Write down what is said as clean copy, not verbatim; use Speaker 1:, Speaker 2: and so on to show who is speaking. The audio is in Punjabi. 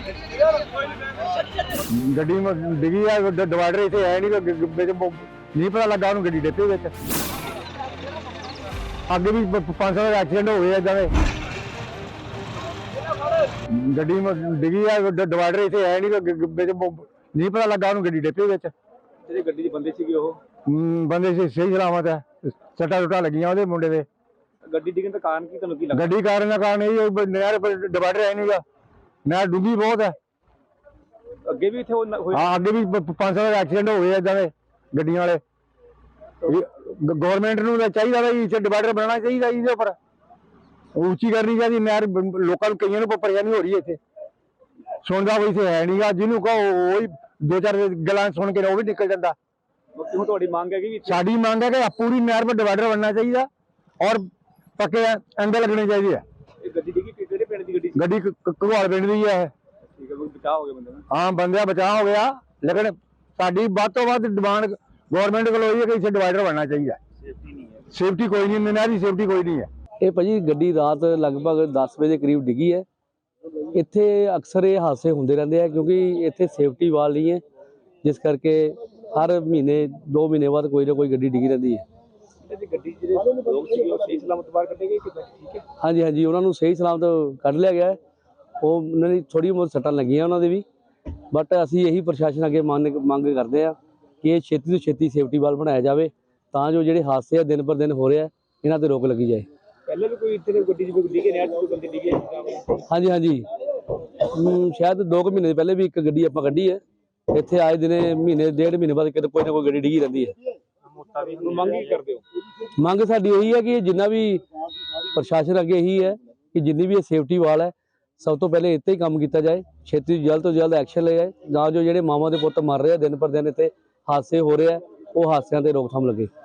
Speaker 1: ਗੱਡੀ ਡਿੱਗੀ ਆ, ਡਿਵਾਈਡਰ ਇੱਥੇ ਹੈ ਨਹੀਂ, ਨਹੀਂ ਪਤਾ ਲੱਗਾ ਉਹਨੂੰ ਗੱਡੀ ਡਿੱਪੇ ਵਿੱਚ। ਅੱਗੇ ਵੀ 500 ਐਕਸੀਡੈਂਟ ਹੋ ਗਏ ਏਦਾਂ ਦੇ। ਗੱਡੀ ਡਿੱਗੀ ਆ, ਡਿਵਾਈਡਰ ਇੱਥੇ ਹੈ ਨਹੀਂ, ਨਹੀਂ ਪਤਾ ਲੱਗਾ ਉਹਨੂੰ ਗੱਡੀ ਡਿੱਪੇ ਵਿੱਚ।
Speaker 2: ਜਿਹੜੇ ਗੱਡੀ ਦੇ ਬੰਦੇ ਸੀਗੇ ਉਹ
Speaker 1: ਬੰਦੇ ਸਹੀ ਸਲਾਮਤ ਹੈ, ਸੱਟਾਂ ਸੁੱਟਾਂ ਲੱਗੀਆਂ ਉਹਦੇ ਮੁੰਡੇ ਦੇ।
Speaker 2: ਗੱਡੀ ਡਿੱਗਣ ਦਾ ਕਾਰਨ ਕੀ ਤੁਹਾਨੂੰ ਕੀ ਲੱਗਦਾ?
Speaker 1: ਗੱਡੀ ਕਾਰਨ ਦਾ ਕਾਰਨ ਇਹ ਨਹਿਰ ਡਿਵਾਈਡਰ ਹੈ ਨਹੀਂਗਾ, ਨਹਿਰ ਡੂੰਘੀ ਬਹੁਤ ਹੈ।
Speaker 2: ਅੱਗੇ ਵੀ ਇੱਥੇ
Speaker 1: ਹਾਂ, ਅੱਗੇ ਵੀ 500 ਐਕਸੀਡੈਂਟ ਹੋ ਗਏ ਏਦਾਂ ਦੇ ਗੱਡੀਆਂ ਵਾਲੇ। ਗਵਰਨਮੈਂਟ ਨੂੰ ਤਾਂ ਚਾਹੀਦਾ ਵੀ ਇੱਥੇ ਡਿਵਾਈਡਰ ਬਣਾਉਣਾ ਚਾਹੀਦਾ, ਇਹਦੇ ਉੱਪਰ ਉੱਚੀ ਕਰਨੀ ਚਾਹੀਦੀ ਨਹਿਰ। ਲੋਕਾਂ ਨੂੰ ਕਈਆਂ ਨੂੰ ਪਰੇਸ਼ਾਨੀ ਹੋ ਰਹੀ ਹੈ, ਇੱਥੇ ਸੁਣਦਾ ਕੋਈ ਇੱਥੇ ਹੈ ਨਹੀਂਗਾ। ਜਿਹਨੂੰ ਕਹੋ ਉਹੀ ਦੋ ਚਾਰ ਗੱਲਾਂ ਸੁਣ ਕੇ ਉਹ ਵੀ ਨਿਕਲ ਜਾਂਦਾ।
Speaker 2: ਹੁਣ ਤੁਹਾਡੀ ਮੰਗ ਹੈ ਕਿ
Speaker 1: ਸਾਡੀ ਮੰਗ ਹੈ ਕਿ ਪੂਰੀ ਨਹਿਰ 'ਤੇ ਡਿਵਾਈਡਰ ਬਣਨਾ ਚਾਹੀਦਾ ਔਰ ਪੱਕੇ ਐਂਗਲ ਲੱਗਣੇ ਚਾਹੀਦੇ ਆ।
Speaker 2: ਇਹ ਗੱਡੀ ਡਿੱਗੀ ਕਿਹੜੇ ਪਿੰਡ ਦੀ ਗੱਡੀ?
Speaker 1: ਗੱਡੀ ਘਗਵਾਲ ਪਿੰਡ ਦੀ ਹੈ।
Speaker 2: ਠੀਕ ਹੈ, ਕੋਈ ਬਚਾਅ ਹੋ ਗਿਆ ਬੰਦੇ ਦਾ?
Speaker 1: ਹਾਂ, ਬੰਦਿਆਂ ਬਚਾਅ ਹੋ ਗਿਆ, ਲੇਕਿਨ ਸਾਡੀ ਵੱਧ ਤੋਂ ਵੱਧ ਡਿਮਾਂਡ ਗਵਰਨਮੈਂਟ ਕੋਲ ਹੋਈ ਹੈ ਕਿ ਇੱਥੇ ਡਿਵਾਈਡਰ ਬਣਨਾ ਚਾਹੀਦਾ।
Speaker 2: ਸੇਫਟੀ ਨਹੀਂ ਹੈ,
Speaker 1: ਸੇਫਟੀ ਕੋਈ ਨਹੀਂ, ਨਹਿਰ ਦੀ ਸੇਫਟੀ ਕੋਈ ਨਹੀਂ ਹੈ।
Speaker 3: ਇਹ ਭਾਜੀ ਗੱਡੀ ਰਾਤ ਲਗਭਗ 10 ਵਜੇ ਦੇ ਕਰੀਬ ਡਿੱਗੀ ਹੈ। ਇੱਥੇ ਅਕਸਰ ਇਹ ਹਾਦਸੇ ਹੁੰਦੇ ਰਹਿੰਦੇ ਆ ਕਿਉਂਕਿ ਇੱਥੇ ਸੇਫਟੀ ਵਾਲ ਨਹੀਂ ਹੈ, ਜਿਸ ਕਰਕੇ ਹਰ ਮਹੀਨੇ 2 ਮਹੀਨੇ ਬਾਅਦ ਕੋਈ ਨਾ ਕੋਈ ਗੱਡੀ ਡਿੱਗੀ ਰਹਿੰਦੀ ਹੈ।
Speaker 2: ਗੱਡੀ ਜਿਹੜੇ ਲੋਕ ਸੀਗੇ ਉਹ ਸਹੀ ਸਲਾਮਤ ਬਾਹਰ ਕੱਢੇ ਗਏ ਕਿੱਦਾਂ? ਠੀਕ ਹੈ,
Speaker 3: ਹਾਂਜੀ ਹਾਂਜੀ, ਉਹਨਾਂ ਨੂੰ ਸਹੀ ਸਲਾਮਤ ਕੱਢ ਲਿਆ ਗਿਆ ਹੈ। ਉਹ ਉਹਨਾਂ ਦੀ ਥੋੜੀ ਬਹੁਤ ਸੱਟਾਂ ਲੱਗੀਆਂ ਉਹਨਾਂ ਦੇ ਵੀ, ਬਟ ਅਸੀਂ ਇਹੀ ਪ੍ਰਸ਼ਾਸਨ ਅੱਗੇ ਮੰਗ ਕਰਦੇ ਆ ਕਿ ਇਹ ਛੇਤੀ ਤੋਂ ਛੇਤੀ ਸੇਫਟੀ ਵਾਲ ਬਣਾਇਆ ਜਾਵੇ ਤਾਂ ਜੋ ਜਿਹੜੇ ਹਾਦਸੇ ਆ ਦਿਨ ਪਰ ਦਿਨ ਹੋ ਰਹੇ ਆ ਇਹਨਾਂ ਤੇ ਰੋਕ ਲੱਗੀ ਜਾਏ।
Speaker 2: ਪਹਿਲੇ ਵੀ ਕੋਈ ਇੱਥੇ ਗੱਡੀ ਜਿਵੇਂ ਡਿੱਗੇ ਨਹਿਰ 'ਚ ਕੋਈ ਬੰਦੇ ਡਿੱਗੇ?
Speaker 3: ਹਾਂਜੀ ਹਾਂਜੀ, ਸ਼ਾਇਦ 2 ਮਹੀਨੇ ਪਹਿਲੇ ਵੀ ਇੱਕ ਗੱਡੀ ਆਪਾਂ ਕੱਢੀ ਹੈ। ਇੱਥੇ ਆਏ ਦਿਨੇ ਮਹੀਨੇ ਡੇਢ ਮਹੀਨੇ ਬਾਅਦ ਕਿਤੇ ਕੋਈ ਨਾ ਕੋਈ ਗੱਡੀ ਡਿੱਗੀ ਰਹਿੰਦੀ ਹੈ।
Speaker 2: ਮੰਗ ਕੀ ਕਰਦੇ ਹੋ?
Speaker 3: ਮੰਗ ਸਾਡੀ ਇਹੀ ਹੈ ਕਿ ਜਿੰਨਾ ਵੀ ਪ੍ਰਸ਼ਾਸਨ ਅੱਗੇ ਇਹੀ ਹੈ ਕਿ ਜਿੰਨੀ ਵੀ ਇਹ ਸੇਫਟੀ ਵਾਲ ਹੈ ਸਭ ਤੋਂ ਪਹਿਲੇ ਇੱਥੇ ਹੀ ਕੰਮ ਕੀਤਾ ਜਾਏ, ਛੇਤੀ ਜਲਦ ਤੋਂ ਜਲਦ ਐਕਸ਼ਨ ਲਿਆ ਜਾਏ ਤਾਂ ਜੋ ਜਿਹੜੇ ਮਾਵਾਂ ਦੇ ਪੁੱਤ ਮਰ ਰਹੇ ਆ ਦਿਨ ਪਰ ਦਿਨ ਇੱਥੇ ਹਾਦਸੇ ਹੋ ਰਹੇ ਆ ਉਹ ਹਾਦਸਿਆਂ ਤੇ ਰੋਕਥਾਮ ਲੱਗੇ।